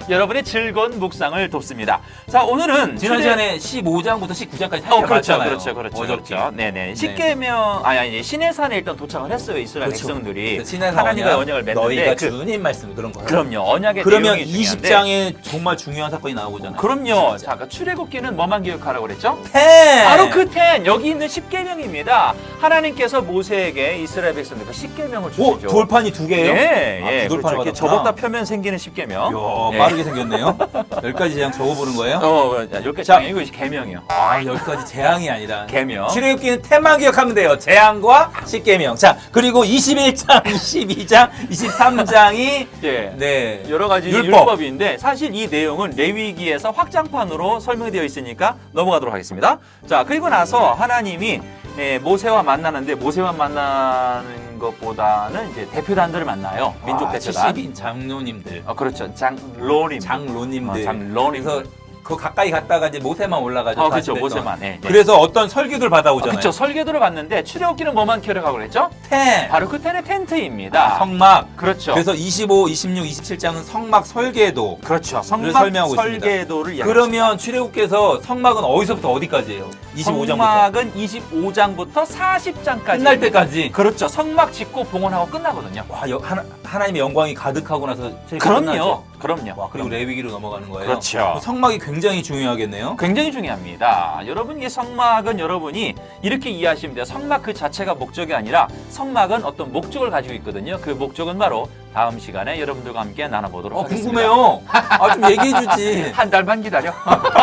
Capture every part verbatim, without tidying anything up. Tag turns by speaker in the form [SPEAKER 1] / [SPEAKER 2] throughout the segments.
[SPEAKER 1] 여러분의 즐거운 묵상을 돕습니다. 자, 오늘은
[SPEAKER 2] 지난
[SPEAKER 1] 출애-
[SPEAKER 2] 시간에 십오 장부터 십구 장까지
[SPEAKER 1] 어, 그렇죠,
[SPEAKER 2] 살펴봤잖아요.
[SPEAKER 1] 그렇죠, 그렇죠,
[SPEAKER 2] 어저께.
[SPEAKER 1] 그렇죠. 네네. 십계명, 아니, 아니, 시내산에 일단 도착을 했어요, 이스라엘
[SPEAKER 2] 그렇죠.
[SPEAKER 1] 백성들이.
[SPEAKER 2] 신의
[SPEAKER 1] 하나님과 언약을 맺는데.
[SPEAKER 2] 너희가
[SPEAKER 1] 그-
[SPEAKER 2] 주님 말씀 그런 거예요.
[SPEAKER 1] 그럼요, 언약의
[SPEAKER 2] 그러면
[SPEAKER 1] 내용이 중요한데.
[SPEAKER 2] 이십 장에 정말 중요한 사건이 나오잖아요.
[SPEAKER 1] 그럼요. 자, 그 출애굽기는 뭐만 기억하라고 그랬죠?
[SPEAKER 2] 텐!
[SPEAKER 1] 바로 그 텐, 여기 있는 십계명입니다. 하나님께서 모세에게 이스라엘 백성들과 십계명을
[SPEAKER 2] 오,
[SPEAKER 1] 주시죠.
[SPEAKER 2] 돌판이 두 개.
[SPEAKER 1] 예,
[SPEAKER 2] 아,
[SPEAKER 1] 예.
[SPEAKER 2] 두 돌판을
[SPEAKER 1] 그렇죠. 이렇게
[SPEAKER 2] 받았구나.
[SPEAKER 1] 접었다 펴면 생기는 십계명.
[SPEAKER 2] 이야,
[SPEAKER 1] 예.
[SPEAKER 2] 빠르게 생겼네요. 열 가지 재앙 적어보는 거예요?
[SPEAKER 1] 어, 여기까지
[SPEAKER 2] 자.
[SPEAKER 1] 이거 계명이요.
[SPEAKER 2] 아, 열 가지 재앙이 아니라.
[SPEAKER 1] 계명.
[SPEAKER 2] 출애굽기는 텐만 기억하면 돼요. 재앙과 십계명. 자, 그리고 이십일 장, 이십이 장, 이십삼 장이
[SPEAKER 1] 예.
[SPEAKER 2] 네.
[SPEAKER 1] 여러 가지
[SPEAKER 2] 율법.
[SPEAKER 1] 율법. 인데 사실 이 내용은 레위기에서 확장판으로 설명되어 있으니까 넘어가도록 하겠습니다. 자, 그리고 나서 하나님이 예, 모세와 만나는데 모세와 만나는 것보다는 이제 대표단들을 만나요. 민족
[SPEAKER 2] 아,
[SPEAKER 1] 대표단.
[SPEAKER 2] 칠십 인 장로님들.
[SPEAKER 1] 어, 그렇죠. 장로님.
[SPEAKER 2] 장로님들.
[SPEAKER 1] 어, 장로님.
[SPEAKER 2] 그래서 그 가까이 갔다가 이제 모세만 올라가죠.
[SPEAKER 1] 어, 그렇죠.
[SPEAKER 2] 사십 일 동안.
[SPEAKER 1] 모세만. 예, 예.
[SPEAKER 2] 그래서 어떤 설교들 받아오잖아요.
[SPEAKER 1] 그렇죠. 설계도를 봤는데 출애굽기는 뭐만 기억하고 그랬죠?
[SPEAKER 2] 텐.
[SPEAKER 1] 바로 그 텐의 텐트입니다.
[SPEAKER 2] 아, 성막.
[SPEAKER 1] 그렇죠.
[SPEAKER 2] 그래서 이십오, 이십육, 이십칠 장은 성막 설계도.
[SPEAKER 1] 그렇죠. 성막
[SPEAKER 2] 설명하고 있습니다.
[SPEAKER 1] 설계도를 이야기합니다.
[SPEAKER 2] 그러면 출애굽께서 성막은 어디서부터 어디까지예요? 이십오 장부터.
[SPEAKER 1] 성막은 이십오 장부터 사십 장까지
[SPEAKER 2] 끝날 때까지.
[SPEAKER 1] 그렇죠. 성막 짓고 봉헌하고 끝나거든요.
[SPEAKER 2] 와, 여, 하나, 하나님의 영광이 가득하고 나서 출애굽이
[SPEAKER 1] 그럼요.
[SPEAKER 2] 끝나죠?
[SPEAKER 1] 그럼요.
[SPEAKER 2] 와, 그리고 레위기로 넘어가는 거예요.
[SPEAKER 1] 그렇죠.
[SPEAKER 2] 성막이 굉장히 중요하겠네요.
[SPEAKER 1] 굉장히 중요합니다. 여러분, 이 성막은 여러분이 이렇게 이해하시면 돼요. 성막 그 자체가 목적이 아니라 성막은 어떤 목적을 가지고 있거든요. 그 목적은 바로 다음 시간에 여러분들과 함께 나눠보도록
[SPEAKER 2] 어,
[SPEAKER 1] 하겠습니다.
[SPEAKER 2] 궁금해요. 아, 좀 얘기해주지.
[SPEAKER 1] 한 달만 기다려.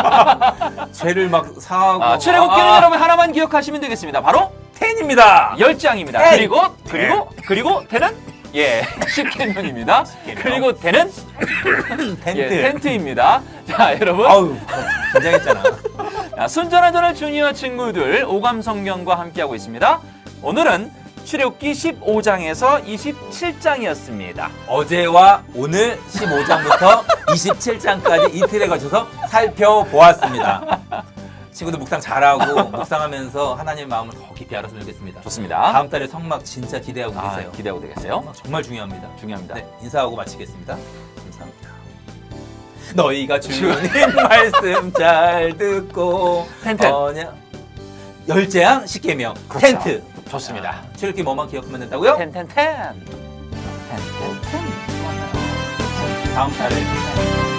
[SPEAKER 2] 죄를 막 사하고.
[SPEAKER 1] 아, 출애굽기는
[SPEAKER 2] 아,
[SPEAKER 1] 여러분 하나만 기억하시면 되겠습니다. 바로
[SPEAKER 2] 텐입니다.
[SPEAKER 1] 열 장입니다.
[SPEAKER 2] 텐.
[SPEAKER 1] 그리고 그리고 그리고 텐은 예 십계명입니다. 그리고 텐은
[SPEAKER 2] 텐트.
[SPEAKER 1] 예, 텐트입니다. 자, 여러분.
[SPEAKER 2] 아우, 긴장했잖아.
[SPEAKER 1] 자, 순전한 전을 주니어 친구들 오감 성경과 함께하고 있습니다. 오늘은 출애굽기 십오 장에서 이십칠 장이었습니다.
[SPEAKER 2] 어제와 오늘 십오 장부터 이십칠 장까지 이틀에 걸쳐서 살펴보았습니다. 친구들 묵상 잘하고 묵상하면서 하나님의 마음을 더 깊이 알았으면 좋겠습니다.
[SPEAKER 1] 좋습니다.
[SPEAKER 2] 다음 달에 성막 진짜 기대하고
[SPEAKER 1] 아,
[SPEAKER 2] 계세요.
[SPEAKER 1] 기대하고 되겠어요?
[SPEAKER 2] 성막 정말 중요합니다.
[SPEAKER 1] 중요합니다.
[SPEAKER 2] 네, 인사하고 마치겠습니다. 감사합니다. 너희가 주님 말씀 잘 듣고
[SPEAKER 1] 텐트.
[SPEAKER 2] 언약 열재앙 십계명
[SPEAKER 1] 그렇죠.
[SPEAKER 2] 텐트
[SPEAKER 1] 좋습니다.
[SPEAKER 2] 아, 출애굽기 뭐만 기억하면 된다고요?
[SPEAKER 1] 텐, 텐, 텐. 텐, 텐, 텐.
[SPEAKER 2] 다음 달에